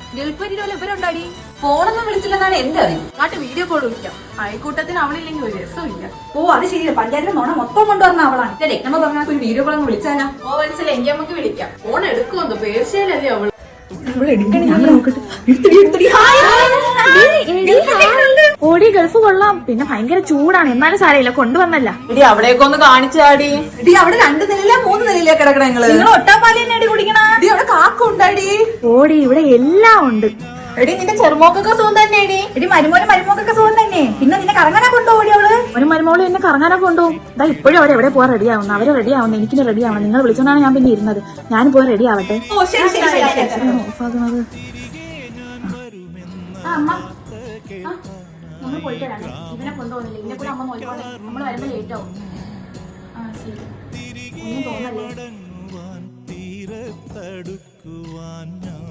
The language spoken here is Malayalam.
ഗൾഫരിലോ ഇവരുണ്ടാടി. ഫോണൊന്നും വിളിച്ചില്ലെന്നാണ് എന്റെ അറിവ്. നാട്ടിൽ വീഡിയോ കോൾ വിളിക്കാം. അയൽക്കൂട്ടത്തിന് അവളില്ലെങ്കിൽ ഒരു രസമില്ല. ഓ അത് ശരിയല്ല, പഞ്ചായത്തിലെ നോണ മൊത്തം കൊണ്ടുവന്ന അവളാണ്. രക്തമ പറഞ്ഞ ഒരു വീഡിയോ കോൾ അങ്ങ് വിളിച്ചാലോ? ഓ മനസ്സിലായി, എനിക്ക് നമുക്ക് വിളിക്കാം. ഫോൺ എടുക്കുമെന്ന് പേർച്ചയിലല്ലേ അവള്. ഓടി ഗൾഫ് കൊള്ളാം, പിന്നെ ഭയങ്കര ചൂടാണ്. എന്നാലും സാരമില്ല, കൊണ്ടുവന്നല്ല. ഇടി അവിടേക്ക് ഒന്ന് കാണിച്ചാടി. ഇടി അവിടെ 2 നിലയില 3 നിലയില കിടക്കണ നിങ്ങൾ ഒട്ടാപ്പാലി തന്നെ അടി കുടിക്കണ. ഇടി അവിടെ കാക്കുണ്ടാടി. ഓടി ഇവിടെ എല്ലാം ഉണ്ട്. എടി നിന്റെ ചെറുമോക്കൊക്കെ സുഖം തന്നെ. എടി മരുമോക്കൊക്കെ സുഖം തന്നെ. പിന്നെ നിന്നെ കറങ്ങാനാ കൊണ്ടുപോടി അവള്. ഒരു മരുമോള് എന്നെ കറങ്ങാനൊക്കെ കൊണ്ടുപോകും. ഇതാ ഇപ്പോഴും അവരെ എവിടെ പോകാൻ റെഡി ആവുന്നു. അവരെ റെഡി ആവുന്നു, എനിക്കിന് റെഡി ആവണം. നിങ്ങൾ വിളിച്ചോണ്ടാണ് ഞാൻ പിന്നെ ഇരുന്നത്. ഞാൻ പോയി റെഡി ആവട്ടെ. ഓ ശരി ശരി ശരി. ഓഫാക്കുന്നത് നമ്മൾ പോയിട്ട് വരാം. ഇവനെ കൊണ്ടുപോകുന്നില്ല. ഇതിനെ കൂടെ അമ്മ നോക്കിക്കോട്ടെ. നമ്മൾ വരുമ്പോൾ ലേറ്റ് ആവും. ആ ശരി, ഒന്നും തോന്നല്ലേ.